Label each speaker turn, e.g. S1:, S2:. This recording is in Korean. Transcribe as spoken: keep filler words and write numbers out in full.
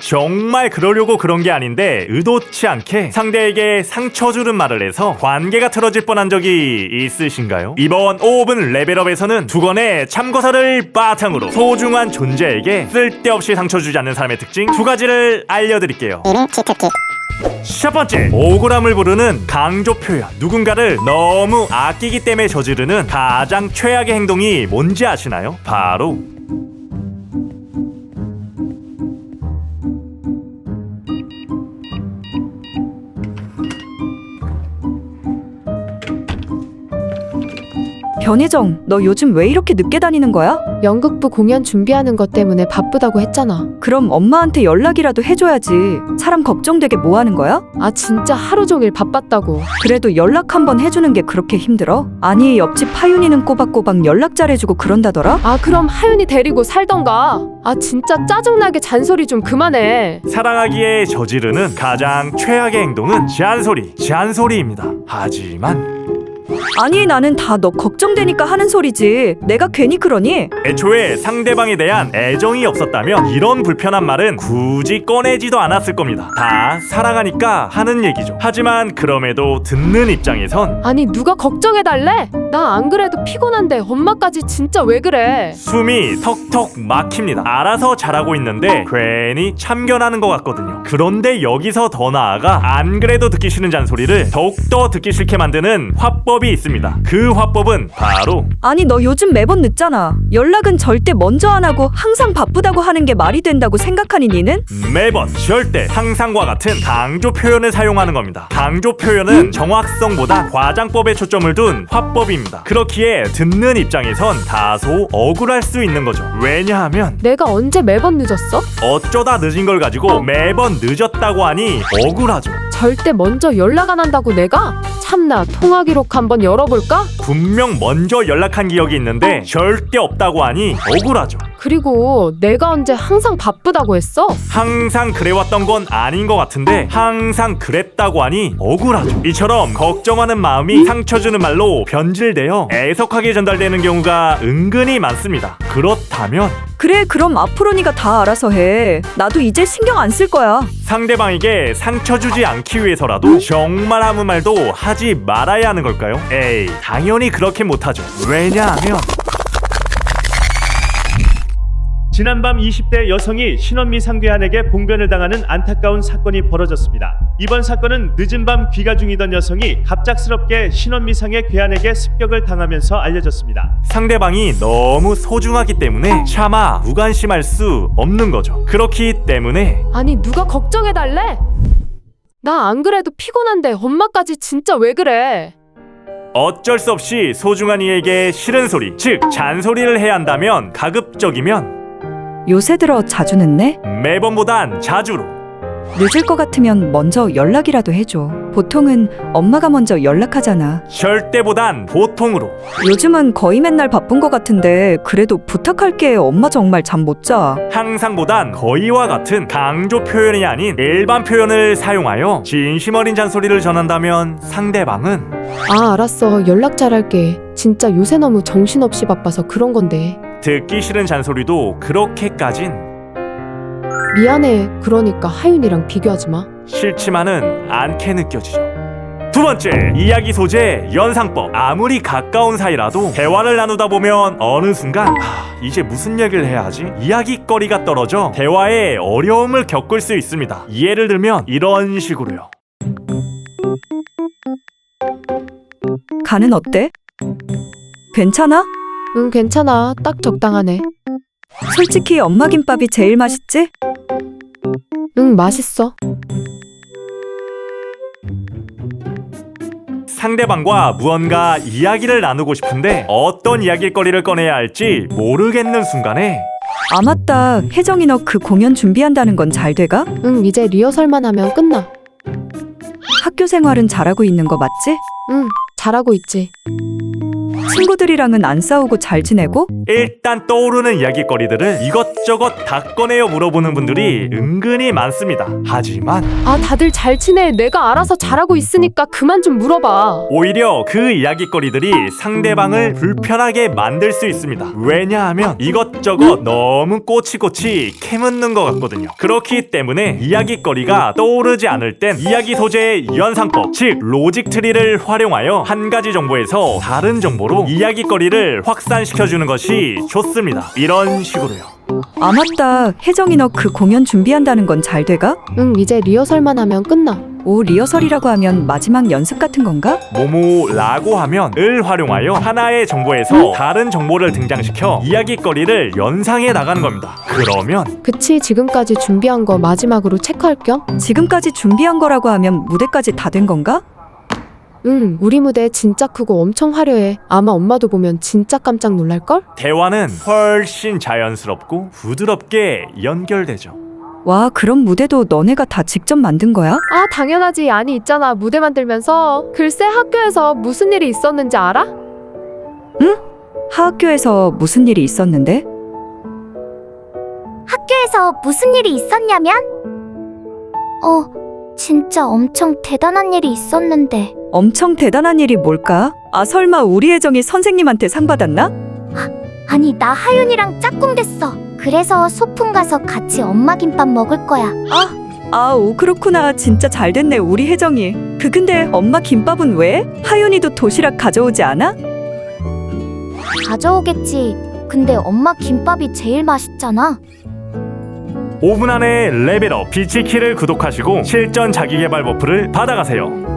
S1: 정말 그러려고 그런 게 아닌데 의도치 않게 상대에게 상처 주는 말을 해서 관계가 틀어질 뻔한 적이 있으신가요? 이번 오븐 레벨업에서는 두 건의 참고서를 바탕으로 소중한 존재에게 쓸데없이 상처 주지 않는 사람의 특징 두 가지를 알려드릴게요. 첫 번째, 억울함을 부르는 강조 표현. 누군가를 너무 아끼기 때문에 저지르는 가장 최악의 행동이 뭔지 아시나요? 바로
S2: 변혜정, 너 요즘 왜 이렇게 늦게 다니는 거야?
S3: 연극부 공연 준비하는 것 때문에 바쁘다고 했잖아.
S2: 그럼 엄마한테 연락이라도 해줘야지. 사람 걱정되게 뭐 하는 거야?
S3: 아 진짜 하루 종일 바빴다고.
S2: 그래도 연락 한번 해주는 게 그렇게 힘들어? 아니, 옆집 하윤이는 꼬박꼬박 연락 잘해주고 그런다더라?
S3: 아 그럼 하윤이 데리고 살던가. 아 진짜 짜증나게 잔소리 좀 그만해.
S1: 사랑하기에 저지르는 가장 최악의 행동은 잔소리, 잔소리입니다. 하지만
S2: 아니, 나는 다 너 걱정되니까 하는 소리지. 내가 괜히 그러니?
S1: 애초에 상대방에 대한 애정이 없었다면 이런 불편한 말은 굳이 꺼내지도 않았을 겁니다. 다 사랑하니까 하는 얘기죠. 하지만 그럼에도 듣는 입장에선
S3: 아니 누가 걱정해달래? 나 안 그래도 피곤한데 엄마까지 진짜 왜 그래?
S1: 숨이 턱턱 막힙니다. 알아서 잘하고 있는데 괜히 참견하는 것 같거든요. 그런데 여기서 더 나아가 안 그래도 듣기 싫은 잔소리를 더욱더 듣기 싫게 만드는 화법이 있습니다. 그 화법은 바로
S2: 아니, 너 요즘 매번 늦잖아. 연락은 절대 먼저 안 하고 항상 바쁘다고 하는 게 말이 된다고 생각하니 니는?
S1: 매번, 절대, 항상과 같은 강조 표현을 사용하는 겁니다. 강조 표현은 정확성보다 과장법에 초점을 둔 화법입니다. 그렇기에 듣는 입장에선 다소 억울할 수 있는 거죠. 왜냐하면
S3: 내가 언제 매번 늦었어?
S1: 어쩌다 늦은 걸 가지고 매번 늦었다고 하니 억울하죠.
S3: 절대 먼저 연락 안 한다고 내가? 참나 통화 기록 한번 열어볼까?
S1: 분명 먼저 연락한 기억이 있는데 절대 없다고 하니 억울하죠.
S3: 그리고 내가 언제 항상 바쁘다고 했어?
S1: 항상 그래왔던 건 아닌 것 같은데 항상 그랬다고 하니 억울하죠. 이처럼 걱정하는 마음이 상처 주는 말로 변질되어 애석하게 전달되는 경우가 은근히 많습니다. 그렇다면
S2: 그래, 그럼 앞으로 니가 다 알아서 해. 나도 이제 신경 안 쓸 거야.
S1: 상대방에게 상처 주지 않기 위해서라도 정말 아무 말도 하지 말아야 하는 걸까요? 에이, 당연히 그렇게 못하죠. 왜냐하면
S4: 지난밤 이십 대 여성이 신원미 상대한에게 봉변을 당하는 안타까운 사건이 벌어졌습니다. 이번 사건은 늦은 밤 귀가 중이던 여성이 갑작스럽게 신원미 상의 괴한에게 습격을 당하면서 알려졌습니다.
S1: 상대방이 너무 소중하기 때문에 차마 무관심할 수 없는 거죠. 그렇기 때문에
S3: 아니 누가 걱정해달래? 나 안 그래도 피곤한데 엄마까지 진짜 왜 그래?
S1: 어쩔 수 없이 소중한 이에게 싫은 소리, 즉 잔소리를 해야 한다면 가급적이면
S2: 요새 들어 자주 늦네?
S1: 매번보단 자주로.
S2: 늦을 것 같으면 먼저 연락이라도 해줘. 보통은 엄마가 먼저 연락하잖아.
S1: 절대보단 보통으로.
S2: 요즘은 거의 맨날 바쁜 것 같은데 그래도 부탁할게. 엄마 정말 잠 못 자.
S1: 항상보단 거의와 같은 강조 표현이 아닌 일반 표현을 사용하여 진심 어린 잔소리를 전한다면 상대방은
S3: 아 알았어 연락 잘할게. 진짜 요새 너무 정신없이 바빠서 그런 건데.
S1: 듣기 싫은 잔소리도 그렇게까진
S3: 미안해. 그러니까 하윤이랑 비교하지 마.
S1: 싫지만은 않게 느껴지죠. 두 번째, 이야기 소재, 연상법. 아무리 가까운 사이라도 대화를 나누다 보면 어느 순간 하, 이제 무슨 얘기를 해야 하지? 이야기거리가 떨어져 대화에 어려움을 겪을 수 있습니다. 예를 들면 이런 식으로요.
S2: 간은 어때? 괜찮아?
S3: 응 괜찮아. 딱 적당하네.
S2: 솔직히 엄마 김밥이 제일 맛있지?
S3: 응 맛있어.
S1: 상대방과 무언가 이야기를 나누고 싶은데 어떤 이야기거리를 꺼내야 할지 모르겠는 순간에
S2: 아 맞다, 혜정이 너 그 공연 준비한다는 건 잘 돼가?
S3: 응 이제 리허설만 하면 끝나.
S2: 학교 생활은 잘하고 있는 거 맞지?
S3: 응 잘하고 있지.
S2: 친구들이랑은 안 싸우고 잘 지내고?
S1: 일단 떠오르는 이야기거리들을 이것저것 다 꺼내어 물어보는 분들이 은근히 많습니다. 하지만
S3: 아, 다들 잘 지내. 내가 알아서 잘하고 있으니까 그만 좀 물어봐.
S1: 오히려 그 이야기거리들이 상대방을 불편하게 만들 수 있습니다. 왜냐하면 이것저것 너무 꼬치꼬치 캐묻는 것 같거든요. 그렇기 때문에 이야기거리가 떠오르지 않을 땐 이야기 소재의 연상법, 즉 로직 트리를 활용하여 한 가지 정보에서 다른 정보로 이야기거리를 확산시켜주는 것이 좋습니다. 이런 식으로요.
S2: 아 맞다. 혜정이 너 그 공연 준비한다는 건 잘 돼가?
S3: 응, 이제 리허설만 하면 끝나.
S2: 오, 리허설이라고 하면 마지막 연습 같은 건가?
S1: 모모라고 하면 을 활용하여 하나의 정보에서 다른 정보를 등장시켜 이야기거리를 연상해 나가는 겁니다. 그러면
S3: 그치, 지금까지 준비한 거 마지막으로 체크할 겸?
S2: 지금까지 준비한 거라고 하면 무대까지 다 된 건가?
S3: 응, 우리 무대 진짜 크고 엄청 화려해. 아마 엄마도 보면 진짜 깜짝 놀랄걸?
S1: 대화는 훨씬 자연스럽고 부드럽게 연결되죠.
S2: 와, 그럼 무대도 너네가 다 직접 만든 거야?
S3: 아, 당연하지. 아니, 있잖아. 무대 만들면서 글쎄 학교에서 무슨 일이 있었는지 알아?
S2: 하학교에서 무슨 일이 있었는데?
S5: 학교에서 무슨 일이 있었냐면? 어, 진짜 엄청 대단한 일이 있었는데.
S2: 엄청 대단한 일이 뭘까? 아, 설마 우리 혜정이 선생님한테 상 받았나?
S5: 아니, 나 하윤이랑 짝꿍 됐어. 그래서 소풍 가서 같이 엄마 김밥 먹을 거야.
S2: 아, 오, 그렇구나. 진짜 잘 됐네, 우리 혜정이. 그 근데 엄마 김밥은 왜? 하윤이도 도시락 가져오지 않아?
S5: 가져오겠지. 근데 엄마 김밥이 제일 맛있잖아.
S1: 오 분 안에 레벨업 비치키를 구독하시고 실전 자기개발 버프를 받아가세요.